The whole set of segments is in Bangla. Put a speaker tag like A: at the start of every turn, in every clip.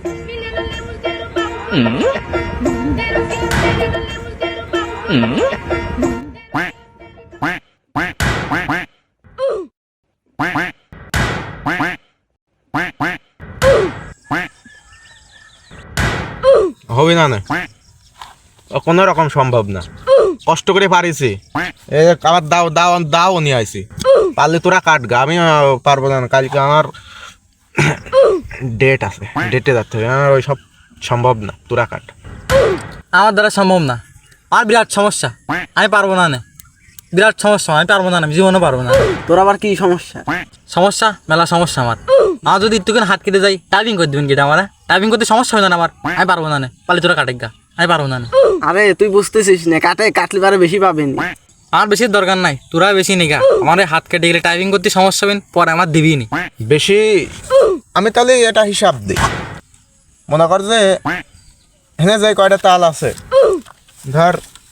A: হবে না না, কোনো রকম সম্ভব না। কষ্ট করে পারিছি, আবার দাও দাও দাও নিয়ে আইছি। পারলে তোরা কাটগা, আমি পারবো না। কালকে আমার ডেট আছে, ডেটে যাচ্ছে হবে, আমার ওই সব সম্ভব না। তোরা কাট।
B: আমার দ্বারা সম্ভব না, আর বিরাট সমস্যা, আমি পারবো না নে। বিরাট সমস্যা, আমি পারবো না, আমি জীবনও পারবো না।
C: তোর আবার কি সমস্যা?
B: সমস্যা মেলা সমস্যা আমার। আমার যদি একটুখানি হাত কেটে যাই, টাইপিং করে দিবেন কেটে আমার? টাইপিং করতে সমস্যা হবে না আমার? আমি পারবো না নে, পারলে তোরা কাটেক গা, আমি পারবো না নে।
C: আরে তুই বুঝতেছিস না, কাটলে পারে বেশি পাবেন।
B: আমার বেশি দরকার নাই, তোরা বেশি নিগা। আমার হাত কেটে গেলে টাইপিং করতে সমস্যা হবেন, পরে আমার দিবি নি
A: বেশি। আমি তাহলে এটা হিসাব দিই। মনে কর যে হেনে যাই কয়টা তাল আছে, ধর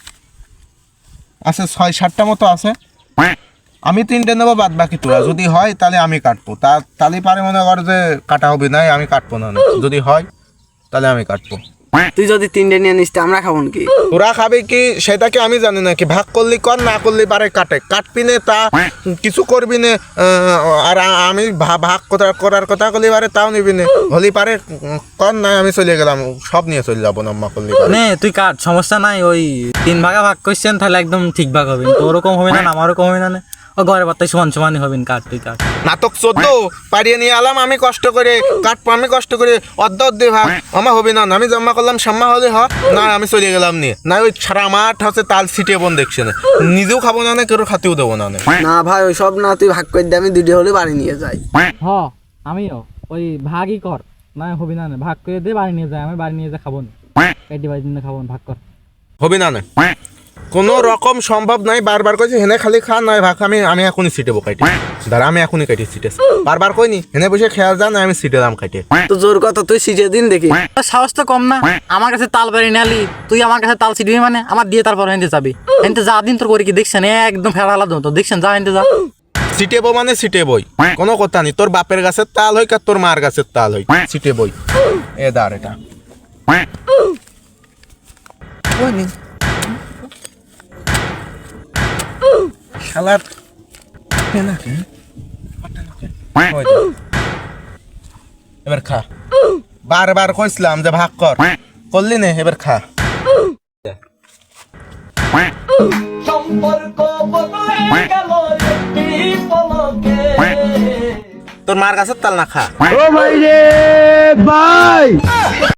A: আছে ৬-৭টা মতো আছে। আমি 3টে নেবো, বাদ বাকি তোরা। যদি হয় তাহলে আমি কাটবো, তাহলে পারে মনে কর যে কাটা হবে না, আমি কাটবো না। যদি হয় তাহলে আমি কাটবো।
C: তুই যদি 3টে নিয়ে নিস আমরা খাবো কি?
A: তোরা খাবে কি সেটা কি আমি জানি না। কি ভাগ করলি কর, না করলি পারে কাটবি নে, তা কিছু করবি নে। আর আমি ভাগ করার কথা করলি পারে তাও নিবি নে। হলি পারে কর, না আমি চলে গেলাম, সব নিয়ে চলে যাবো না করলি
B: নে। তুই কাট, সমস্যা নাই। ওই 3 ভাগে ভাগ করছেন, তাহলে একদম ঠিক ভাগ হবে। তোরও কম হবে না, আমারও কম হবে না। ও ঘরে বার্তায় সমান সমানই হবেন। কাট, তুই কাট।
A: নাটক 14 পারিয়ে নিয়ে আলাম আমি কষ্ট করে, কাটবো আমি কষ্ট করে, অর্ধে ভাগ আমার হবে না। আমি জমা করলাম, সাম্মা হলে না আমি চলে গেলাম নিয়ে। না ওই সারা মাঠ হচ্ছে তাল ছিটিয়ে বোন দেখছে না, নিজেও খাবো না, কেউ খাতেও দেবো না।
C: না ভাই ওই সব না, তুই ভাগ করে দে, আমি 2টে হলে বাড়ি নিয়ে যাই।
B: হ, আমিও ওই ভাগই কর, না হবে না। ভাগ করে দে, বাড়ি নিয়ে যায়। আমি বাড়ি নিয়ে যা খাবো না, কেটে বাড়ি নিয়ে খাবো না। ভাগ কর।
A: হবে না। কোনো রকম সম্ভব নাই। বারবার কইছি হেনে খালি খা, নয় ভাগ। আমি এখনই সিটেবো কাটি, দাঁড়া আমি এখনই কাটি সিটে। বারবার কইনি হেনে বসে খেয়াল যা, না আমি সিটে দাম কাটে।
C: তো জোর কথা, তুই সিজে দিন দেখি।
B: সাহস তো কম না, আমার কাছে তাল বাড়ি নালি, তুই আমার কাছে তাল ছিটবি মানে? আমার দিয়ে তারপর হেনতে যাবি। হেনতে যা দিন তোর করে কি দেখছেন, একদম ফেরা আলাদা তো দেখছেন। যা হেনতে যা।
A: সিটেবো মানে সিটেবই, কোনো কথা নেই। তোর বাপের গাছের তাল হই, আর তোর মার গাছের তাল হই, সিটেবই। এ দাঁড় এটা শালার এবার খা। বারবার কইছিলাম যে ভাগ কর, করলি নে, এবার খা। তোর মার গাছের তাল না খা।